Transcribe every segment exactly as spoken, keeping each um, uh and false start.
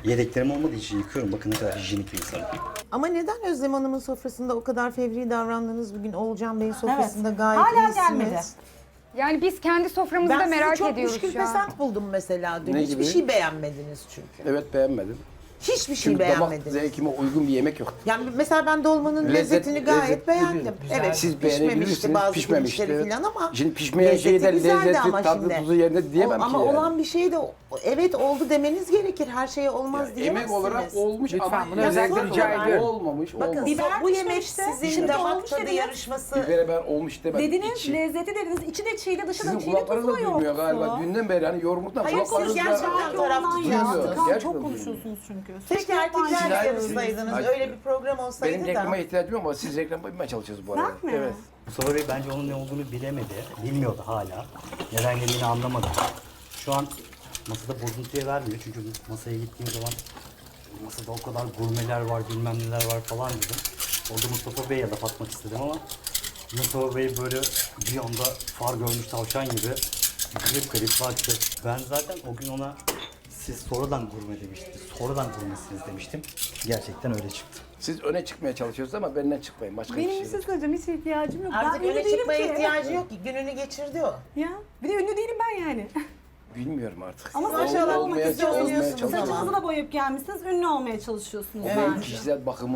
Yedeklerim olmadığı için yıkıyorum. Bakın ne kadar hijyenik bir insanım. Ama neden Özlem Hanım'ın sofrasında o kadar fevri davrandınız? Bugün Oğulcan Bey'in sofrasında Evet. gayet Hala iyisiniz. gelmedi. Yani biz kendi soframızı da Ben merak sizi çok ediyoruz müşkül şu an. pesant buldum mesela dün. Ne Hiçbir gibi? şey beğenmediniz çünkü. Evet beğenmedim. Hiçbir şey Çünkü damak beğenmediniz. zevkime uygun bir yemek yok. Yani mesela ben dolmanın Lezzet- lezzetini gayet lezzetli beğendim. değil. Güzel. Evet, Siz pişmemişti beğenebilirsiniz, bazı pişmemişti, pirinçleri evet. falan ama Şimdi pişmeyen lezzeti şeyden güzeldi lezzeti, ama tadı, şimdi. tuzu yerine diyemem O- ki ama yani. olan bir şey de evet oldu demeniz gerekir. Her şeye olmaz Ya, diyemezsiniz. emek olarak olmuş Lütfen ama bunu lezzet özellikle rica olarak ediyorum. olmamış. Bakın olmamış. Biber bu yemek pişmemişti. sizin Şimdi damak olmuş tadı dediniz. yarışması. Bir kere ben olmuş demedim. Dediniz, İçi- lezzeti dediniz. İçi de çiğde, dışı da Sizin çiğde, kulaklarınız tuzu da da duymuyor galiba. yoktu. Dünden beri hani yorumluktan Hayır, siz kulaklarınızda gerçekten taraf Ondan ya. duymuyor. Kan Gerçekten çok duymuyor. konuşuyorsunuz çünkü. Keşke erkekler Siz- yarışsaydınız. Hayır. Öyle bir program olsaydı Benim da. reklama ihtiyacım yok ama siz reklam yapmaya çalışıyorsunuz bu arada. Ben mi? Evet. Mustafa Bey bence onun ne olduğunu bilemedi. Bilmiyordu hala. Neden geldiğini anlamadı. Şu an masada bozuntuya vermiyor. Çünkü masaya gittiğim zaman masada o kadar gurmeler var, bilmem neler var falan dedim. Orada Mustafa Bey'e laf atmak istedim ama Mustafa Bey böyle bir anda far görmüş tavşan gibi garip garip baktı. Ben zaten o gün ona siz sonradan gurme demiştiniz. Sonradan gurmesiniz demiştim. Gerçekten öyle çıktı. Siz öne çıkmaya çalışıyorsunuz ama benden çıkmayın. Başka bir Benim şey bir şey yok. söyleyeceğim. Hiç ihtiyacım yok. Artık ben ünlü öne değilim çıkmaya ki. ihtiyacı yok ki. Gününü geçirdi o. Ya. Bir de ünlü değilim ben yani. Bilmiyorum artık. Ama Ol- saçınızı olmak olmak istiyorsunuz istiyorsunuz. ama. Saçınızı da boyayıp gelmişsiniz. Ünlü olmaya çalışıyorsunuz Evet. Benim bence. kişisel bakımım.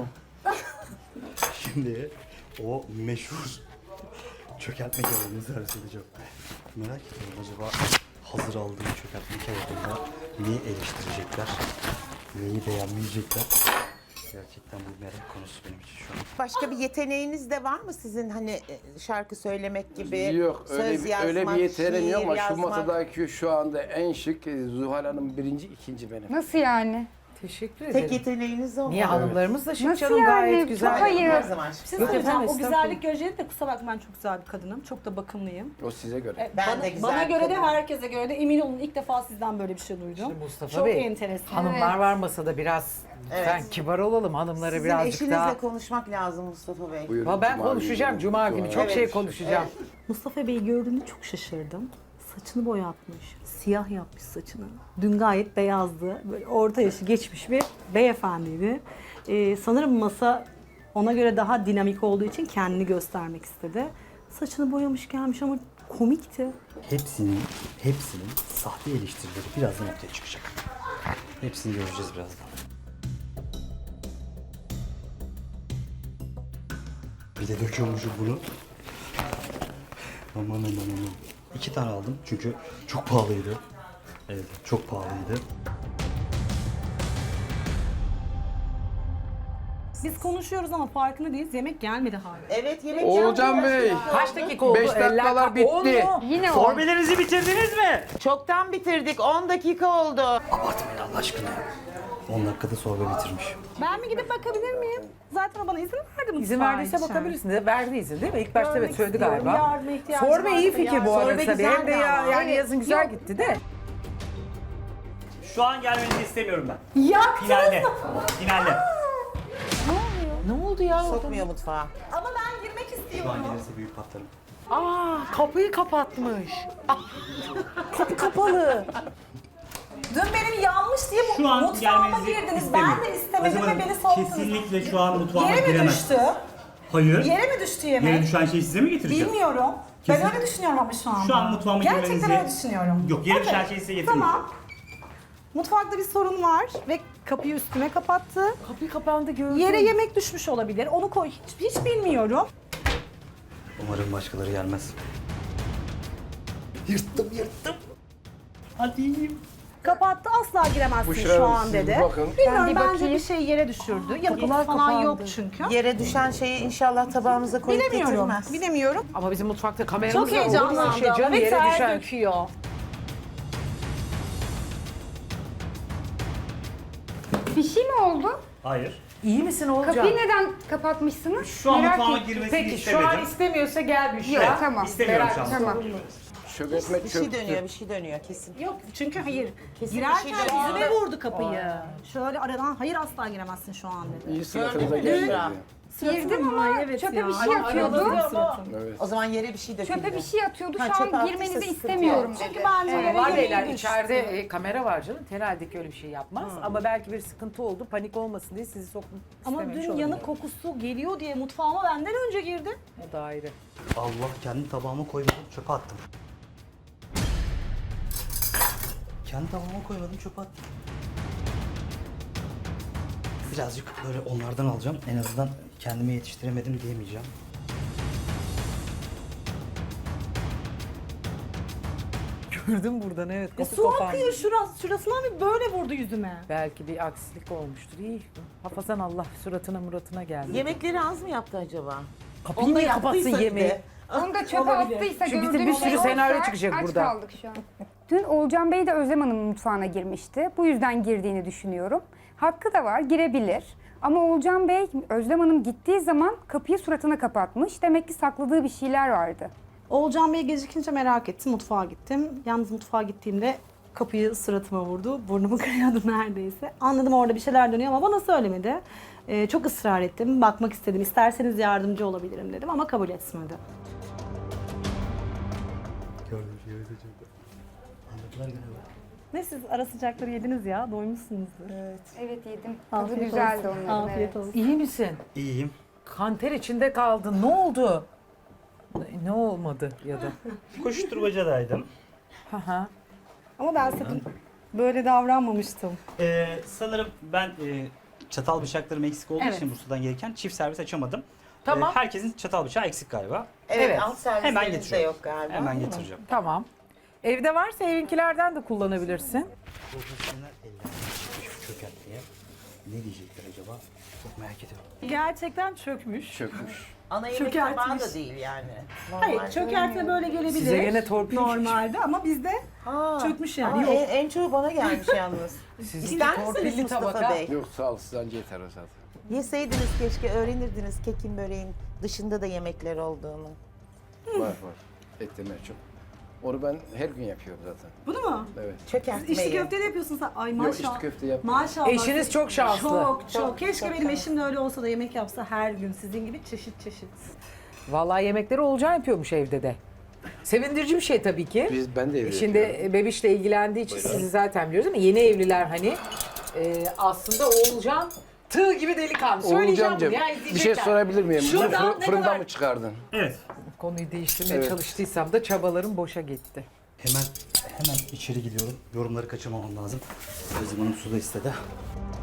Şimdi o meşhur çökertme kebabını servis edeceğim. Merak ediyorum acaba hazır aldığım çökertme kebabında neyi eleştirecekler, neyi beğenmeyecekler. Gerçekten bu merak konusu benim için şu an. Başka bir yeteneğiniz de var mı sizin hani e, şarkı söylemek gibi? Yok öyle söz bir, yazmak, öyle bir yeteneğim yok şiir ama şu yazmak? masadaki şu anda en şık e, Zuhal Hanım birinci, ikinci benim. Nasıl yani? Teşekkür Tek ederim. yeteneğiniz o. Niye hanımlarımız da şık Nasıl canım yani? gayet güzel. Çok hayır. Her zaman. Bir şey Yok söyleyeceğim. efendim, O güzellik göreceli de kusura bakma ben çok güzel bir kadınım. Çok da bakımlıyım. O size göre. E, Ben bana, de güzel bana bir göre de kadınım. herkese göre de emin olun ilk defa sizden böyle bir şey duydum. Şimdi Mustafa çok Bey, enteresan. hanımlar var masada biraz lütfen kibar olalım hanımlara Sizin birazcık eşinizle daha. konuşmak lazım Mustafa Bey. Buyurun, Ama ben Cuma konuşacağım günü. Cuma günü çok Evet. şey konuşacağım. Mustafa Bey'i gördüğümde çok şaşırdım. Saçını boyatmış, siyah yapmış saçını. Dün gayet beyazdı. Böyle orta yaşı geçmiş bir beyefendiydi. Ee, sanırım masa ona göre daha dinamik olduğu için kendini göstermek istedi. Saçını boyamış gelmiş ama komikti. Hepsinin, hepsinin sahte eleştirileri birazdan ortaya çıkacak. Hepsini göreceğiz birazdan. Bir de döküyormuşum bunu. Aman aman aman. İki tane aldım çünkü çok pahalıydı. Evet, çok pahalıydı. Biz konuşuyoruz ama farkında değiliz. Yemek gelmedi hala. Evet yemek Oğulcan yapmıyoruz Bey. ya. Kaç dakika oldu? Beş dakikalar Eller- bitti. On mu? Yine o. Sorbelerinizi bitirdiniz mi? Çoktan bitirdik. on dakika oldu. Abartmayın Allah aşkına. on dakikada sorbe bitirmiş. Ben mi gidip bakabilir miyim? Zaten o bana izin verdi mi? İzin verdiyse bakabilirsin. De, verdi izin değil mi? İlk başta Görmek evet söyledi istiyorum. galiba. Yardıma ihtiyacım Sorbe iyi varsa fikir yardım- bu arada Sorbe tabii. Hem de güzeldi ya, ama. yani Evet. yazın güzel Yok. gitti de. Şu an gelmenizi istemiyorum ben. Yaktınız Finalde. mı? Finalde. Ne oldu ya? Sokmuyor mutfağa. Ama ben girmek Şu an istiyorum. gelirse büyük patlarım. Aa, kapıyı kapatmış. Ah, kapı kapalı. Dün benim yanmış diye bu Şu an mutfağıma gelmenizi girdiniz. istemiyorum. Ben de istemedim Özlem ve Hanım, beni soğuttunuz. kesinlikle şu an mutfağıma Yere mi giremezsiniz. düştü? Hayır. Yere mi düştü yemek? Yere düşen şeyi size mi getireceğim? Bilmiyorum. Kesin- Ben öyle düşünüyorum ama şu an. Şu an mutfağıma Gerçekten girmenizi- öyle düşünüyorum. Yok, yere Okey. düşen şeyi size getirmeyeceğim. Tamam. Mutfakta bir sorun var ve kapıyı üstüme kapattı. Kapı kapandı gördüm. Yere yemek düşmüş olabilir. Onu koy. Hiç, hiç bilmiyorum. Umarım başkaları gelmez. Yırttım yırttım. Hadi. Kapattı asla giremezsin Büşra şu Hanım, an siz dedi. bir bakın. Bilmiyorum Ben bir bence bakayım. bir şey yere düşürdü. Yapıp kapılar falan kapandı. yok çünkü. Yere düşen şeyi inşallah tabağımıza koyup Bilemiyorum. getirmez. Bilemiyorum. Ama bizim mutfakta kameramız Çok var. Olur mu? heyecanlandım. Şey, canım Ve yere ter düşen. döküyor. Bir şey mi oldu? Hayır. İyi misin Oğulcan? Kapıyı neden kapatmışsınız? Şu an Merak mutfağıma ettim. girmesini Peki şu istemedim. an istemiyorsa gel Büşra. Yok tamam. İstemiyorum şu an. Tamam. Çökertme Bir şey çöktü. dönüyor, bir şey dönüyor kesin. Yok çünkü hayır. Kesin Girerken bir şey dönüyor. yüzüme vurdu kapıyı. Şöyle aradan hayır asla giremezsin şu an dedi. İyi sınıfınıza Gördün mü? geldi. Büşra? Girdim ama Ay, evet çöpe ya. bir şey Ay, atıyordu. Evet. O zaman yere bir şey döküldü. Çöpe bir şey atıyordu. Ha, Şu çöpe an attıysa girmenizi sıkıntı istemiyorum yok. dedi. Çünkü bence Ee, yere var yemeği beyler düştü. içeride e, kamera var canım. Herhalde ki öyle bir şey yapmaz. Ama belki bir sıkıntı oldu. Panik olmasın diye sizi sokmak Ama istememiş dün olabilir. yanık kokusu geliyor diye mutfağıma benden önce girdi. O da ayrı. Allah, kendi tabağıma koymadım, çöpe attım. Kendi tabağıma koymadım, çöpe attım. Birazcık böyle onlardan alacağım. En azından kendime yetiştiremedim diyemeyeceğim. Gördüm buradan evet. E, su akıyor şurası, şurasından bir böyle vurdu yüzüme. Belki bir aksilik olmuştur. İyi. Hafazan Allah suratına muratına geldi. Yemekleri az mı yaptı acaba? Kapıyı niye kapatsın yaptıysa yemeği? bir de. Onu da çöpe attıysa Şu bizim gördüğüm bir sürü şey senaryo oysa çıkacak aç burada. kaldık şu an. Dün Oğulcan Bey de Özlem Hanım'ın mutfağına girmişti. Bu yüzden girdiğini düşünüyorum. Hakkı da var, girebilir. Ama Oğulcan Bey, Özlem Hanım gittiği zaman kapıyı suratına kapatmış. Demek ki sakladığı bir şeyler vardı. Oğulcan Bey gecikince merak ettim, mutfağa gittim. Yalnız mutfağa gittiğimde kapıyı suratıma vurdu. Burnumu kırıyordu neredeyse. Anladım orada bir şeyler dönüyor ama bana söylemedi. Ee, çok ısrar ettim, bakmak istedim. İsterseniz yardımcı olabilirim dedim ama kabul etmedi. Gördüm, gördüm, gördüm. Anladılar galiba. Ne siz ara sıcakları yediniz ya, doymuşsunuzdur. Evet. Evet yedim. Tadı Afiyet güzeldi olsun. onların. Afiyet evet. olsun. İyi misin? İyiyim. Kanter içinde kaldın. Ne oldu? Ne olmadı ya da? Koşturmacadaydım. Haha. Ama ben sakın böyle davranmamıştım. Ee, sanırım ben e, çatal bıçaklarım eksik olduğu Evet. için Bursa'dan gelirken çift servis açamadım. Tamam. Ee, herkesin çatal bıçağı eksik galiba. Evet, Evet. alt servislerimiz Hemen de getiriyorum. yok galiba. Hemen değil mi? getireceğim. Tamam. Evde varsa evinkilerden de kullanabilirsin. Profesyonel ellerden çıkmış bu çökertmeye. Ne diyecekler acaba? Çok merak ediyorum. Gerçekten çökmüş. Çökmüş. Ana yemek Çökertmiş. tabağı da değil yani. Hayır, Normal. çökertme böyle gelebilir. Size gene torpil Normalde ama bizde Ha. çökmüş Ama yani. Yok. en, en çoğu bana gelmiş yalnız. Sizin İster misiniz torpilli Mustafa tabaka. Bey? Yok sağ ol, siz anca yeter o zaten. Yeseydiniz keşke, öğrenirdiniz kekin böreğin dışında da yemekler olduğunu. Var var. Et yemeği çok. Onu ben her gün yapıyorum zaten. Bunu mu? Evet. Çökertmeyi. İçli köfte de yapıyorsun sen. Ay maşallah. Yok içli köfte yap. Maşallah. Eşiniz çok şanslı. Çok çok. Çok, Keşke çok benim şanslı. eşim de öyle olsa da yemek yapsa her gün sizin gibi çeşit çeşit. Vallahi yemekleri Olcan yapıyormuş evde de. Sevindirici bir şey tabii ki. Biz ben de evde Şimdi yapıyorum. bebişle ilgilendiği için sizi zaten biliyoruz ama yeni evliler hani e, aslında Oğulcan tığ gibi delikanlı. Söyleyeceğim bunu Oğulcancığım, ya bir şey izleyecekler. sorabilir miyim? Bunu Şuradan fırın- ne fırından kadar- mı çıkardın? Evet. Konuyu değiştirmeye Evet. çalıştıysam da çabalarım boşa gitti. Hemen hemen içeri gidiyorum. Yorumları kaçırmamam lazım. Özlem Hanım su da istedi.